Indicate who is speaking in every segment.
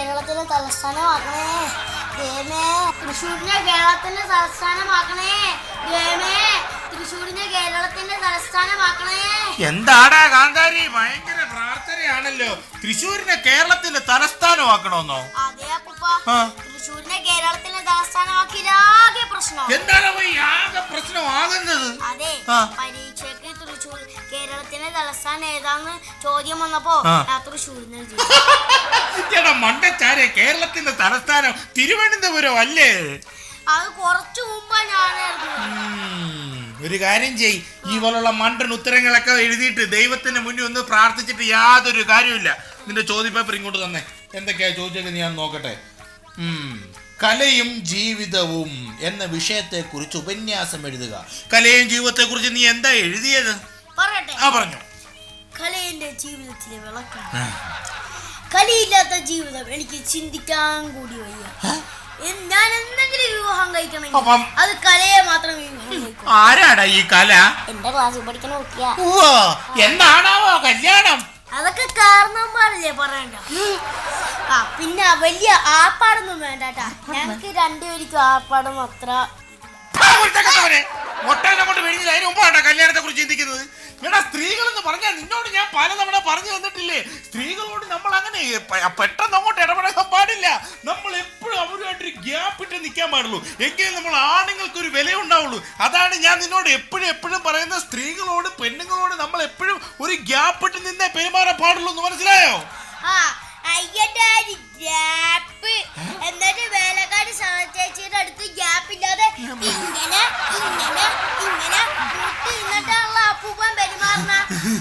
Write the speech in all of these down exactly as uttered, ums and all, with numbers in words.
Speaker 1: കേരളത്തിന്റെ തലസ്ഥാനമാക്കണേ ദേമേ. തൃശ്ശൂരിനെ കേരളത്തിന്റെ തലസ്ഥാനമാക്കണേ ദേമേ. തൃശ്ശൂരിനെ കേരളത്തിന്റെ തലസ്ഥാനമാക്കണേ.
Speaker 2: എന്താടാ കാന്താരി, ഭയങ്കര പ്രാർത്ഥനയാണല്ലോ. തൃശ്ശൂരിനെ കേരളത്തിന്റെ തലസ്ഥാനമാക്കണമെന്നോ?
Speaker 1: അതെ അപ്പൂപ്പ, തൃശ്ശൂരിനെ കേരളത്തിന്റെ തലസ്ഥാനമാക്കിയാകെ പ്രശ്നം.
Speaker 2: എന്താണ് ആകെ പ്രശ്നമാകുന്നത്?
Speaker 1: അതെ, പരീക്ഷയ്ക്ക് തൃശ്ശൂർ കേരളത്തിന്റെ തലസ്ഥാനം ഏതാന്ന് ചോദ്യം വന്നപ്പോ തൃശ്ശൂരിനെ
Speaker 2: ചേട്ടാ മണ്ടച്ചാരെ, കേരളത്തിന്റെ തലസ്ഥാനം തിരുവനന്തപുരം അല്ലേ?
Speaker 1: അത് കുറച്ചു മുമ്പാ ഞാനായിരുന്നു.
Speaker 2: ഒരു കാര്യം ചെയ്, ഈ പോലുള്ള മണ്ടൻ ഉത്തരങ്ങളൊക്കെ എഴുതിയിട്ട് ദൈവത്തിന്റെ മുന്നിൽ ഒന്ന് പ്രാർത്ഥിച്ചിട്ട് യാതൊരു കാര്യമില്ല. നിന്റെ ചോദ്യപേപ്പർ ഇങ്ങോട്ട് തന്നെ. എന്തൊക്കെയാ ചോദിച്ചത് ഞാൻ നോക്കട്ടെ. കലയും ജീവിതവും എന്ന വിഷയത്തെ കുറിച്ച് ഉപന്യാസം എഴുതുക. കലയും ജീവിതത്തെ കുറിച്ച് നീ എന്താ എഴുതിയത്?
Speaker 1: പറയട്ടെ.
Speaker 2: ആ പറഞ്ഞു.
Speaker 1: കലയുടെ ജീവിതത്തിലെ വിളക്കാണ്. കലയില്ലാത്ത ജീവിതം എനിക്ക് ചിന്തിക്കാൻ കൂടി വയ്യ. ഞാൻ എന്തെങ്കിലും വിവാഹം കഴിക്കണമെങ്കിൽ അത് കലയെ മാത്രം വിവാഹം കഴിക്കും.
Speaker 2: ആരാടാ ഈ കല?
Speaker 1: എന്റെ ക്ലാസ്സിൽ പഠിക്കുന്ന കുട്ടിയാ.
Speaker 2: എന്താണാവോ കല്യാണം?
Speaker 1: അതൊക്കെ കാരണന്മാരല്ലേ പറയണ്ട. ആ പിന്നെ വലിയ ആർപ്പാടൊന്നും വേണ്ടാട്ടാ. ഞങ്ങൾക്ക് രണ്ടുപേർക്കും ആർപ്പാടും അത്ര
Speaker 2: കല്യാണത്തെ കുറിച്ച് ചിന്തിക്കുന്നത്. എടാ, സ്ത്രീകൾ എന്ന് പറഞ്ഞാൽ നിന്നോട് ഞാൻ പലതവണ പറഞ്ഞു തന്നിട്ടില്ലേ, സ്ത്രീകളോട് നമ്മൾ അങ്ങനെ പെട്ടെന്ന് അങ്ങോട്ട് ഇടപെടാൻ പാടില്ല. നമ്മൾ എപ്പോഴും അവരുമായിട്ടൊരു ഗ്യാപ്പ് ഇട്ട് നിൽക്കാൻ പാടുള്ളൂ. എങ്കിലും നമ്മൾ ആണുങ്ങൾക്ക് ഒരു വില ഉണ്ടാവുള്ളൂ. അതാണ് ഞാൻ നിന്നോട് എപ്പോഴും എപ്പോഴും പറയുന്ന, സ്ത്രീകളോട് പെണ്ണുങ്ങളോട് നമ്മൾ എപ്പോഴും ഒരു ഗ്യാപ്പ് ഇട്ട് നിന്നേ പെരുമാറാൻ പാടുള്ളൂ എന്ന് മനസ്സിലായോ?
Speaker 1: എന്നിട്ട് വേലക്കാരി ചേച്ചിയുടെ അടുത്ത് ഗ്യാപ്പ് ഇല്ലാതെ ഇങ്ങനെ ഇങ്ങനെ ഇങ്ങനെ എന്നിട്ടുള്ള അപ്പൂപ്പൻ പെരുമാറുന്ന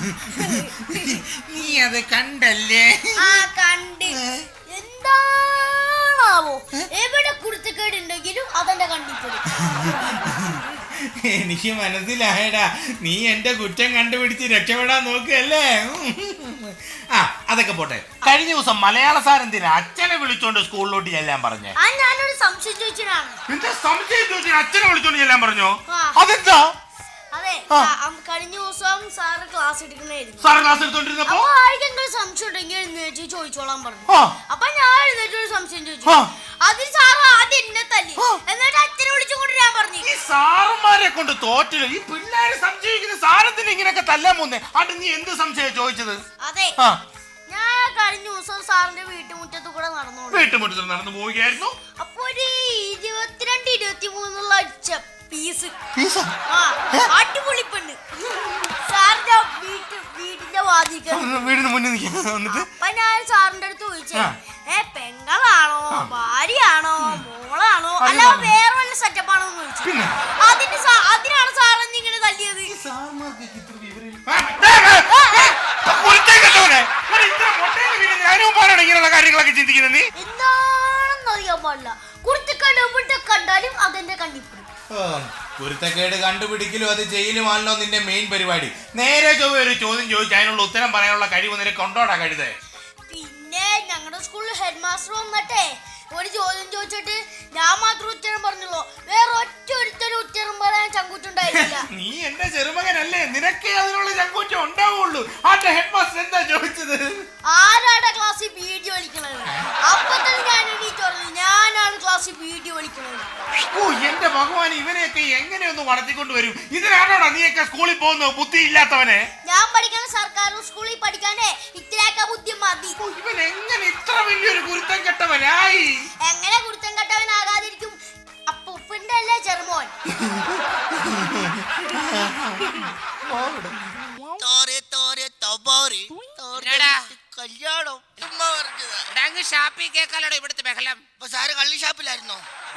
Speaker 2: നീ അത് കണ്ടല്ലേ?
Speaker 1: ആ കണ്ട്. എന്താണാവോ എവിടെ കുരുത്തക്കേടുണ്ടെങ്കിലും അതെന്റെ കണ്ടിപ്പോയി.
Speaker 2: എനിക്ക് മനസ്സിലായടാ, നീ എന്റെ കുറ്റം കണ്ടുപിടിച്ച് രക്ഷപ്പെടാൻ നോക്കുകയല്ലേ. ആ അതൊക്കെ പോട്ടെ. കഴിഞ്ഞ ദിവസം മലയാള സാർ എന്തിനാ അച്ഛനെ വിളിച്ചോണ്ട് സ്കൂളിലോട്ട് ചെല്ലാൻ പറഞ്ഞേ?
Speaker 1: ഞാനൊരു സംശയം ചോദിച്ചതാണ്.
Speaker 2: എന്താ സംശയം ചോദിച്ചാൽ അച്ഛനെ വിളിച്ചോണ്ട് ചെല്ലാൻ പറഞ്ഞോ? അതെന്താ?
Speaker 1: അതെ, കഴിഞ്ഞ ദിവസം സാറ് ക്ലാസ് എടുക്കണായിരുന്നു.
Speaker 2: സാറ് ക്ലാസ് എടുത്തോണ്ടിരുന്നപ്പോ
Speaker 1: ആർക്കെങ്കിലും സംശയം ഉണ്ടെങ്കിൽ എഴുന്നേറ്റ് ചോദിച്ചോളാൻ പറഞ്ഞു. അപ്പൊ ഞാൻ എഴുന്നേറ്റ് ഒരു സംശയം ചോദിച്ചു. അതിൽ സാറ് ആദ്യം എന്നെ തല്ലി, എന്നിട്ട് അച്ഛനെ വിളിച്ചുകൊണ്ട് ഞാൻ പറഞ്ഞു.
Speaker 2: ഈ സാറന്മാരെ കൊണ്ട് തോറ്റില്ല. ഈ പിള്ളേരെ സംശയിക്കുന്ന സാറത്തിന് ഇങ്ങനെയൊക്കെ തല്ലാൻ പോന്നേ. അത് നീ എന്ത് സംശയം ചോദിച്ചത്?
Speaker 1: അതെ, ഞാൻ കഴിഞ്ഞ ദിവസം സാറിന്റെ വീട്ടുമുറ്റത്ത് കൂടെ നടന്നു
Speaker 2: വീട്ടുമുറ്റത്ത് നടന്നു പോവുകയായിരുന്നു.
Speaker 1: അപ്പൊ ഒരു ഇരുപത്തിരണ്ട് ഇരുപത്തി മൂന്നുള്ള പീസ് അടിപൊളി പെണ്ണ് സാറിന്റെ വീട്ട് വീടിന്റെ വാതിക്കൽ
Speaker 2: വീടിന് മുന്നിൽ നിൽക്കുന്നു.
Speaker 1: അപ്പൊ ഞാൻ സാറിന്റെ അടുത്ത് ചോദിച്ചേ, ഏ പെങ്ങളാണോ ഭാര്യയാണോ മോളാണോ അല്ല വേറെ വല്ല സെറ്റപ്പാണോ എന്ന് ചോദിച്ചു. അതിന് അതിനാണ് സാറെന്ന് ഇങ്ങനെ തല്ലിയത്.
Speaker 2: കാര്യങ്ങളൊക്കെ ചിന്തിക്കുന്നത് നീ
Speaker 1: എന്താണെന്ന് അറിയാൻ പാടില്ല. കുരുത്തക്കേട് എവിടെ കണ്ടാലും അതെന്റെ കണ്ണിപ്പെടും.
Speaker 2: കുരുത്തക്കേട് കണ്ടുപിടിക്കലും അത് ചെയ്യലുമാണല്ലോ നിന്റെ മെയിൻ പരിപാടി. നേരെ ചൊവ്വ ഒരു ചോദ്യം ചോദിച്ചു അതിനുള്ള ഉത്തരം പറയാനുള്ള കഴിവ് നിനക്ക് കൊണ്ടോടാ കഴുതേ?
Speaker 1: പിന്നെ ഞങ്ങളുടെ സ്കൂളിൽ ഹെഡ് മാസ്റ്റർ വന്നിട്ടേ ഒരു ചോദ്യം ചോദിച്ചിട്ട് ഞാൻ മാത്രം ഉത്തരം പറഞ്ഞുള്ളൂ. വേറെ ഒറ്റ ഒരുത്തരും ഉത്തരം പറയാൻ ചങ്കൂറ്റുണ്ടായില്ല.
Speaker 2: നീ എന്റെ ചെറുമകനല്ലേ, നിനക്കേ അതിനുള്ള ചങ്കൂറ്റം ഉണ്ടാവുള്ളൂ. ആരുടെ ഹെഡ് മാസ്റ്റർ എന്താ ചോദിച്ചത്?
Speaker 1: ആരാടെ ക്ലാസ്സിൽ വീഡിയോ വലിക്കണത്? അപ്പൊ തന്നെ ഞാൻ എണീറ്റ് പറഞ്ഞു, ഞാനാണ് ക്ലാസ്സിൽ വീഡിയോ വലിക്കണത്.
Speaker 2: ഓ എന്റെ ഭഗവാൻ, ഇവനെയൊക്കെ എങ്ങനെയൊന്ന് വളർത്തിക്കൊണ്ട് വരും? ഇതിനാണോടാ നീയൊക്കെ സ്കൂളിൽ പോകുന്നത്? ബുദ്ധി ഇല്ലാത്തവനെ.
Speaker 1: ഞാൻ പഠിക്കുന്ന സർക്കാർ സ്കൂളിൽ പഠിക്കാനേ ഇത്രയൊക്കെ ബുദ്ധി മതി.
Speaker 2: ഇവൻ എങ്ങനെ ഇത്ര വലിയൊരു കുരുത്തം കെട്ടവനായി?
Speaker 1: എങ്ങനെ കുരുത്തം കെട്ടവനാകാതിരിക്കും? അപ്പൂപ്പന്റെ അല്ലേ ചെറുമോൻ.
Speaker 3: ഇവിടുത്തെ ബഹളം
Speaker 4: കള്ളി ഷാപ്പിലായിരുന്നോ?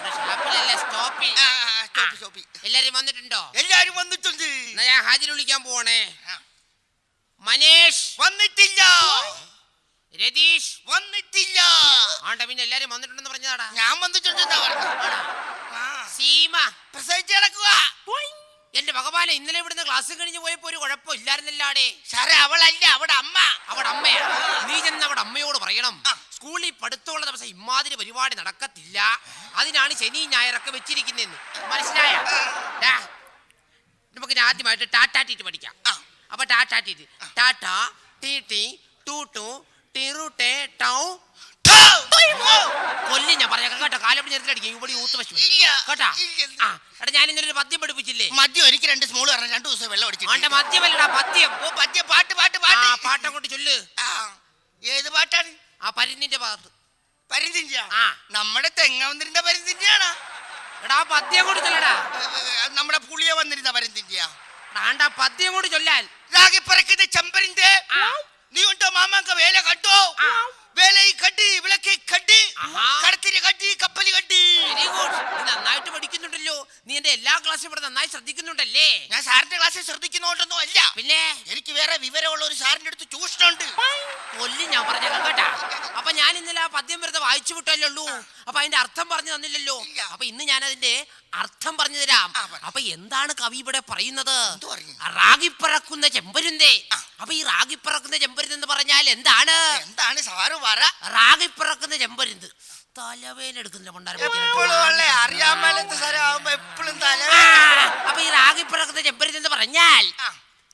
Speaker 3: എല്ലാരും വന്നിട്ടുണ്ടോ?
Speaker 4: എല്ലാരും വന്നിട്ടുണ്ട്.
Speaker 3: ഞാൻ ഹാജർ വിളിക്കാൻ പോവാണേ. മനേഷ്
Speaker 4: വന്നിട്ടില്ല.
Speaker 3: രതീഷ്
Speaker 4: വന്നിട്ടില്ല.
Speaker 3: ആണ്ട പിന്നെ എല്ലാരും വന്നിട്ടുണ്ടെന്ന് പറഞ്ഞതാടാ.
Speaker 4: ഞാൻ വന്നിട്ടുണ്ടെന്നാ പറഞ്ഞത്.
Speaker 3: സീമ
Speaker 4: പ്രസവിച്ച് കിടക്കുക.
Speaker 3: എന്റെ ഭഗവാനെ, ഇന്നലെ ഇവിടുന്ന് ക്ലാസ് കഴിഞ്ഞ് പോയപ്പോ ഒരു കുഴപ്പം ഇല്ലായിരുന്നില്ലാടേ.
Speaker 4: സാറേ അവളല്ല, അവിടെ അമ്മ.
Speaker 3: അവിടെ അമ്മയാ? നീ ചെന്ന് അവിടെ അമ്മയോട് പറയണം, സ്കൂളിൽ പഠിത്തമുള്ള ദിവസം ഇമാതിരി പരിപാടി നടക്കത്തില്ല, അതിനാണ് ശനി ഞായറൊക്കെ വെച്ചിരിക്കുന്നതെന്ന്. മനസ്സിലായ? നമുക്ക് ആദ്യമായിട്ട് ടാറ്റാ ടീറ്റ് പഠിക്കാം. അപ്പൊ ടാറ്റാ ടീറ്റ്. ടാറ്റ ടീ ടീ ടു ടു ടിറു ടേ ടൗ കൊല്ലി ഞാൻ പറഞ്ഞേക്കാം കേട്ടോ. കാലപ്പടി നേരത്തിലടിക്കും ഇവിടെ യൂത്ത് പശു
Speaker 4: ഇല്ല.
Speaker 3: കേട്ടാ.
Speaker 4: ഇല്ല.
Speaker 3: ആ എടാ ഞാൻ ഇന്നലെ ഒരു പദ്യം പഠിപ്പിച്ചില്ലേ?
Speaker 4: മദ്യം എനിക്ക് രണ്ട് സ്മോള് പറഞ്ഞ രണ്ടു ദിവസം വെള്ളം അടിച്ചു.
Speaker 3: അവന്റെ മദ്യമല്ലടാ പദ്യം.
Speaker 4: ഓ പദ്യം പാട്ട് പാട്ട്
Speaker 3: ആ
Speaker 4: പാട്ട്
Speaker 3: പാട്ടം കൊണ്ട് ചൊല്ല്.
Speaker 4: ആ, ഏത് പാട്ടാണ്?
Speaker 3: ആ പരിന്നിന്റെ ഭാഗത്ത്.
Speaker 4: പരിന്തിഞ്ച
Speaker 3: ആ.
Speaker 4: നമ്മുടെ തെങ്ങവന്നിരുന്ന പരിന്തിഞ്ചാണ്.
Speaker 3: എടാ പദ്യം കൊണ്ട് ചൊല്ലടാ.
Speaker 4: നമ്മുടെ പുളിയ വന്നിരുന്ന പരിന്തിഞ്ച.
Speaker 3: ആണ്ടാ പദ്യം കൊണ്ട് ചൊല്ലാൻ.
Speaker 4: രാഗി പറക്കുന്ന ചെമ്പരിന്റെ
Speaker 3: ആ.
Speaker 4: നീ ഉണ്ടോ മാമാങ്ക വേല കണ്ടോ?
Speaker 3: ആ.
Speaker 4: വേലയി കണ്ടി വിളക്കി കണ്ടി
Speaker 3: ആഹാ.
Speaker 4: കടത്തിരി കണ്ടി കപ്പലി കണ്ടി.
Speaker 3: Very good. നീ നന്നായിട്ട് പഠിക്കുന്നുണ്ടല്ലോ. നീ എന്റെ എല്ലാ ക്ലാസ്സും ഇവിടെ നന്നായി ശ്രദ്ധിക്കുന്നുണ്ടല്ലേ?
Speaker 4: ഞാൻ സാറിന്റെ ക്ലാസ്സിൽ ശ്രദ്ധിക്കുന്നോണ്ടൊന്നും അല്ല.
Speaker 3: പിന്നെ
Speaker 4: എനിക്ക് വേറെ വിവരമുള്ള ഒരു സാറിന്റെ അടുത്ത് ട്യൂഷനുണ്ട്.
Speaker 3: കൊല്ലി ഞാൻ പറഞ്ഞേക്കാം കേട്ടാ. അപ്പൊ ഞാൻ ഇന്നലെ ആ പദ്യം വെറുതെ വായിച്ചു വിട്ടല്ലേ ഉള്ളൂ. അപ്പൊ അതിന്റെ അർത്ഥം പറഞ്ഞു തന്നില്ലല്ലോ.
Speaker 4: ഇല്ല.
Speaker 3: അപ്പൊ ഇന്ന് ഞാൻ അതിന്റെ അർത്ഥം പറഞ്ഞു തരാം.
Speaker 4: ആ, പറ.
Speaker 3: അപ്പൊ എന്താണ് കവി ഇവിടെ പറയുന്നത്?
Speaker 4: എന്ത് പറഞ്ഞു?
Speaker 3: റാഗിപ്പറക്കുന്ന ചെമ്പരുന്തേ.
Speaker 4: ആ.
Speaker 3: അപ്പൊ ഈ റാഗിപ്പറക്കുന്ന ചെമ്പരുന്ത് എന്ന് പറഞ്ഞാൽ എന്താണ്?
Speaker 4: എന്താണ് സാറ് പറ.
Speaker 3: റാഗിപ്പറക്കുന്ന ചെമ്പരുന്ത് തലവേന എടുക്കുന്നില്ല
Speaker 4: എപ്പോഴും ഉള്ള അറിയാൻ മേലത്തെ സ്ഥലമാകുമ്പോ എപ്പോഴും തല.
Speaker 3: അപ്പൊ ഈ റാഗിപ്പറക്കുന്ന ചെമ്പരുന്ത് എന്ന് പറഞ്ഞാൽ
Speaker 4: ആ.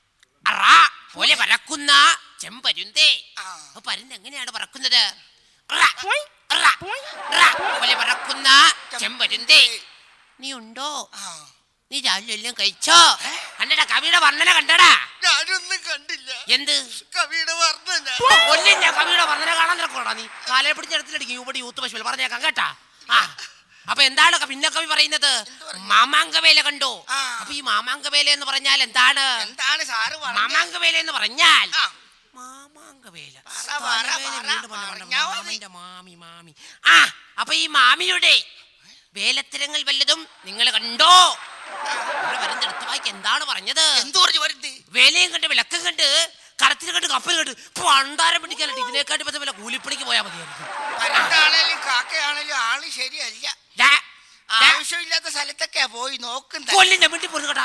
Speaker 3: റാ പോലെ പറക്കുന്ന ചെമ്പരുന്തേ.
Speaker 4: ആ.
Speaker 3: അപ്പൊ പരുന്ത് എങ്ങനെയാണ് പറക്കുന്നത്? റാ, റാ, റാ പോലെ പറക്കുന്ന ചെമ്പരുന്തേ. നീ ഉണ്ടോ?
Speaker 4: ആ.
Speaker 3: നീ രാവിലെ എല്ലാം കഴിച്ചോ? കണ്ടടാ കവിയുടെ വർണ്ണന കണ്ടടാ.
Speaker 4: ഞാനൊന്നും കണ്ടില്ല.
Speaker 3: എന്ത്
Speaker 4: കവിയുടെ വർണ്ണന.
Speaker 3: കൊല്ലം ഞാൻ കവിയുടെ വർണ്ണന കാണാൻ നിൽക്കണോടാ നീ? കാലയെ പിടിച്ച് എടുത്തിട്ടടിക്കും ഇവിടെ യൂത്ത് പശുവിൽ പറഞ്ഞേക്കാം കേട്ടാ. ആ അപ്പൊ എന്താണ് പിന്നെ കവി പറയുന്നത്? മാമാങ്കവേല കണ്ടോ?
Speaker 4: ആ.
Speaker 3: അപ്പൊ ഈ മാമാങ്കവേല എന്ന് പറഞ്ഞാൽ എന്താണ്?
Speaker 4: എന്താണ് സാറ് പറഞ്ഞത്?
Speaker 3: മാമാങ്കവേല എന്ന് പറഞ്ഞാൽ
Speaker 4: ആ.
Speaker 3: മാമാങ്കവേല.
Speaker 4: പറ, പറ,
Speaker 3: തലവേദന
Speaker 4: പറ,
Speaker 3: വീണ്ടും വന്നു കൊണ്ട്
Speaker 4: പറഞ്ഞാ മതി.
Speaker 3: മാമന്റെ മാമി മാമി. ആ അപ്പൊ ഈ മാമിയുടെ വേലത്തരങ്ങൾ വല്ലതും നിങ്ങൾ കണ്ടോ? ഇവിടെ വരുന്ന എടുത്തു വായിക്ക് എന്താണ് പറഞ്ഞത്?
Speaker 4: എന്തു പറഞ്ഞു വരുന്നത്?
Speaker 3: വേലയും കണ്ട് വിളക്കം കണ്ട് കടത്തിൽ കണ്ട് കപ്പൽ കണ്ട് പണ്ടാരം പിടിക്കാനായിട്ട് ഇതിനെക്കാട്ടി പറ്റും വല്ല കൂലിപ്പണിക്ക് പോയാൽ മതിയായിരിക്കും.
Speaker 4: പരണ്ടാണേലും കാക്കയാണേലും ആള് ശരിയല്ല.
Speaker 3: ഡാ, ഡാ,
Speaker 4: ആവശ്യമില്ലാത്ത സ്ഥലത്തൊക്കെയാ പോയി നോക്കുന്നത്.
Speaker 3: കൊല്ലിന്റെ വീട്ടിൽ പോയി കേട്ടാ.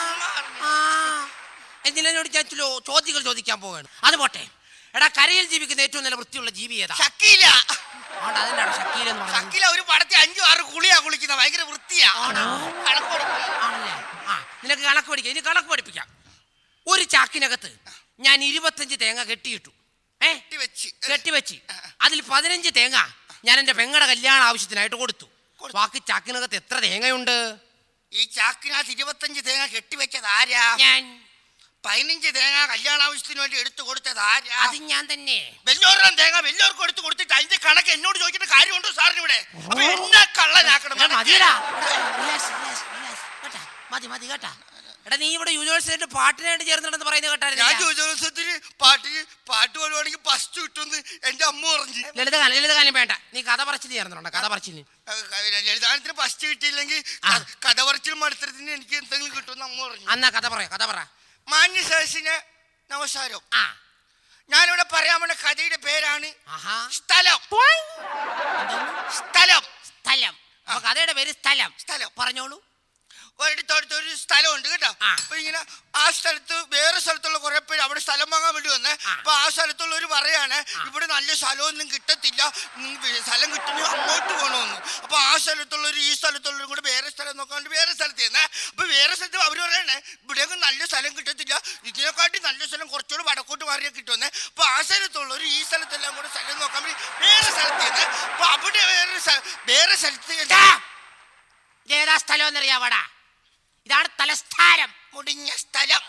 Speaker 3: എന്തിനോട് ഞാൻ ചില ചോദ്യങ്ങൾ ചോദിക്കാൻ പോവാണ്. അത് പോട്ടെ. എടാ കരയിൽ ജീവിക്കുന്ന ഏറ്റവും നല്ല വൃത്തിയുള്ള ജീവി ഏതാ?
Speaker 4: ഷക്കീല.
Speaker 3: അതുകൊണ്ട് അതിനാണ് ഷക്കീൽ എന്ന് പറയുന്നത്.
Speaker 4: ഷക്കീല ഒരു പടത്തിൽ അഞ്ചു ആറ് കുളിയാ കുളിക്കുന്ന ഭയങ്കര വൃത്തിയാ.
Speaker 3: ആണോ?
Speaker 4: കണക്ക് കൊടുക്കണം.
Speaker 3: ആണല്ലേ? ആ നിനക്ക് കണക്ക് പഠിക്കാം. ഇനി കണക്ക് പഠിപ്പിക്കാം. ഒരു ചാക്കിനകത്ത് ഞാൻ ഇരുപത്തഞ്ച് തേങ്ങ കെട്ടിയിട്ടു. ഏ
Speaker 4: വെച്ച്
Speaker 3: കെട്ടിവെച്ച് അതിൽ പതിനഞ്ച് തേങ്ങ ഞാൻ എന്റെ പെങ്ങളുടെ കല്യാണ ആവശ്യത്തിനായിട്ട് കൊടുത്തു. ബാക്കി ചാക്കിനകത്ത് എത്ര തേങ്ങയുണ്ട്?
Speaker 4: ഈ ചാക്കിനകത്ത് ഇരുപത്തഞ്ച് തേങ്ങ കെട്ടിവെച്ചത് ആരാ?
Speaker 3: ഞാൻ.
Speaker 4: പതിനഞ്ച് തേങ്ങ കല്യാണ ആവശ്യത്തിന് വേണ്ടി എടുത്തു കൊടുത്തത് ആരാ?
Speaker 3: അത് ഞാൻ തന്നെ.
Speaker 4: വെല്ലോരം തേങ്ങ വെല്ലോർക്ക് എടുത്തു കൊടുത്തിട്ട് അതിന്റെ കണക്ക് എന്നോട് ചോദിക്കേണ്ട കാര്യമുണ്ടോ സാറിന് ഇവിടെ? അപ്പൊ എന്നെ കള്ളനാക്കണം.
Speaker 3: എടാ, മതിയെടാ. Relax, relax, relax. കേട്ടാ? മതി മതി കേട്ടാ. എടാ നീ ഇവിടെ യൂണിവേഴ്സിറ്റി പാട്ടിനായിട്ട് ചേർന്നിട്ടെന്ന് പറയുന്നത്
Speaker 4: ഞാൻ
Speaker 3: കേട്ടായിരുന്നു.
Speaker 4: ജോലിസത്തിന് പാട്ട് പാട്ട് പാടുവാണെങ്കിൽ ഫസ്റ്റ് കിട്ടുമെന്ന് എന്റെ അമ്മ പറഞ്ഞു.
Speaker 3: ലളിതഗാനം ലളിതഗാനം വേണ്ട. നീ കഥ പറച്ചിൽ ചേർന്നിട്ടുണ്ടോ? കഥ പറച്ചിൽ
Speaker 4: ലളിതാനത്തിന് ഫസ്റ്റ് കിട്ടിയില്ലെങ്കിൽ
Speaker 3: ആ.
Speaker 4: കഥ പറച്ചിൽ മത്സരത്തിന് എനിക്ക് എന്തെങ്കിലും കിട്ടുമെന്ന് അമ്മ പറഞ്ഞു.
Speaker 3: അന്നാ കഥ പറയാ കഥ പറ.
Speaker 4: മാന്യ സദസ്സിന് നമസ്കാരം.
Speaker 3: ആ
Speaker 4: ഞാനിവിടെ പറയാൻ പോണ കഥയുടെ പേരാണ്
Speaker 3: ആഹാ.
Speaker 4: സ്ഥലം.
Speaker 3: എന്തോന്ന്?
Speaker 4: സ്ഥലം
Speaker 3: സ്ഥലം. അപ്പൊ കഥയുടെ പേര് സ്ഥലം.
Speaker 4: സ്ഥലം.
Speaker 3: പറഞ്ഞോളൂ.
Speaker 4: ഒരിടത്തോടത്ത് ഒരു സ്ഥലമുണ്ട് കേട്ടോ.
Speaker 3: ആ.
Speaker 4: അപ്പൊ ഇങ്ങനെ ആ സ്ഥലത്ത് വേറെ സ്ഥലത്തുള്ള കുറെ പേര് അവിടെ സ്ഥലം വാങ്ങാൻ വേണ്ടി വന്നേ.
Speaker 3: ആ.
Speaker 4: അപ്പൊ ആ സ്ഥലത്തുള്ളവർ പറയാണ് ഇവിടെ നല്ല സ്ഥലമൊന്നും കിട്ടത്തില്ല, ഉം, സ്ഥലം കിട്ടുന്ന അങ്ങോട്ട് പോകണമെന്ന്. അപ്പൊ ആ സ്ഥലത്തുള്ളവർ ഈ സ്ഥലത്തുള്ളവരും കൂടെ വേറെ സ്ഥലം നോക്കാണ്ട് വേറെ സ്ഥലത്ത് ചെന്നേ. അപ്പൊ വേറെ സ്ഥലത്ത് അവർ പറയണേ ഇവിടെയൊക്കെ നല്ല സ്ഥലം കിട്ടത്തില്ല, ഇതിനെക്കാട്ടി നല്ല സ്ഥലം കുറച്ചുകൂടെ വടക്കോട്ട് മാറിയാൽ കിട്ടുമെന്നേ. അപ്പൊ ആ സ്ഥലത്തുള്ളവർ ഈ സ്ഥലത്തെല്ലാം കൂടെ സ്ഥലം നോക്കാൻ വേണ്ടി വേറെ സ്ഥലത്ത് ചെന്നേ. അപ്പൊ അവിടെ വേറെ സ്ഥ- വേറെ സ്ഥലത്ത്
Speaker 3: ടാ. ഏതാ സ്ഥലം എന്നറിയാവടാ? ഇതാണ് തലസ്ഥാനം.
Speaker 4: മുടിഞ്ഞ സ്ഥലം.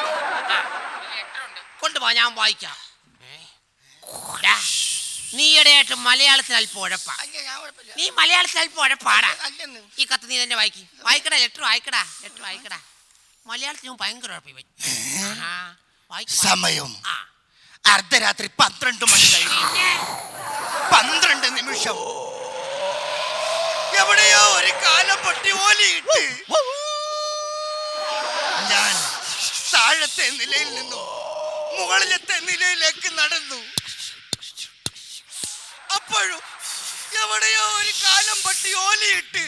Speaker 3: കൊണ്ടുപോ ഞാൻ വായിക്കാം. ടാ. നീ ഇടയായിട്ട് മലയാളത്തിൽ അല്പം ഉഴപ്പാ.
Speaker 4: അല്ല, ഞാൻ കുഴപ്പമില്ല.
Speaker 3: നീ മലയാളത്തിൽ അല്പം ഉഴപ്പാടാ.
Speaker 4: അല്ലെന്ന്.
Speaker 3: ഈ കത്ത് നീ തന്നെ വായിക്കും. വായിക്കടാ ലെറ്റർ വായിക്കടാ ലെറ്റർ വായിക്കടാ. മലയാളത്തിൽ ഭയങ്കര ഉഴപ്പി പോയി. ആഹാ. വായിക്ക്, വായിക്ക്.
Speaker 4: സമയം
Speaker 3: ആ.
Speaker 4: അർദ്ധരാത്രി പന്ത്രണ്ട് മണി കഴിഞ്ഞു
Speaker 3: പിന്നെ
Speaker 4: പന്ത്രണ്ട് നിമിഷം. എവിടെയോ ഒരു കാലം പൊട്ടി ഓലിയിട്ട് ഞാൻ താഴത്തെ നിലയിൽ നിന്നും മുകളിലത്തെ നിലയിലേക്ക് നടന്നു. അപ്പോഴും എവിടെയോ ഒരു കാലം പൊട്ടി ഓലിയിട്ട്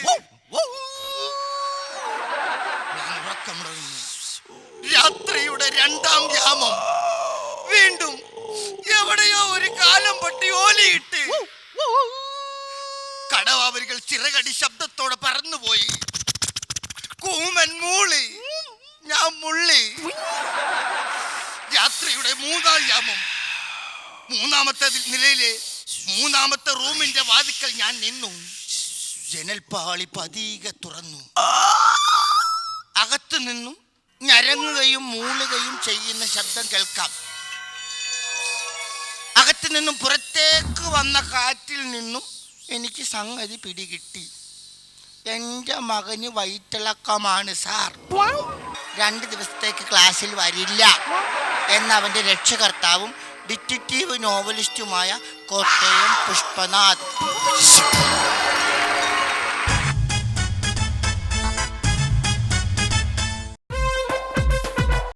Speaker 4: ഞാൻ ഉറക്കമുടങ്ങുന്നു. രാത്രിയുടെ രണ്ടാം യാമം. വീണ്ടും എവിടെയോ ഒരു കാലം പൊട്ടി ഓലിയിട്ട് കടവാവരികൾ ചിറകടി ശബ്ദത്തോടെ പറന്നുപോയി. കൂമൻ മൂളി, ഞാൻ മുള്ളി. രാത്രിയുടെ മൂന്നാം യാമം. മൂന്നാമത്തെ നിലയിലെ മൂന്നാമത്തെ റൂമിന്റെ വാതിക്കൽ ഞാൻ നിന്നു. ജനൽപ്പാളി പതിയെ തുറന്നു. അകത്തു നിന്നും ഞരങ്ങുകയും മൂളുകയും ചെയ്യുന്ന ശബ്ദം കേൾക്കാം. അകത്തു നിന്നും പുറത്തേക്ക് വന്ന കാറ്റിൽ നിന്നും എനിക്ക് സംഗതി പിടികിട്ടി. എൻ്റെ മകന് വയറ്റിളക്കമാണ് സാർ, രണ്ട് ദിവസത്തേക്ക് ക്ലാസ്സിൽ വരില്ല എന്ന് അവൻ്റെ രക്ഷകർത്താവും ഡിറ്റക്റ്റീവ് നോവലിസ്റ്റുമായ കോട്ടയം പുഷ്പനാഥ്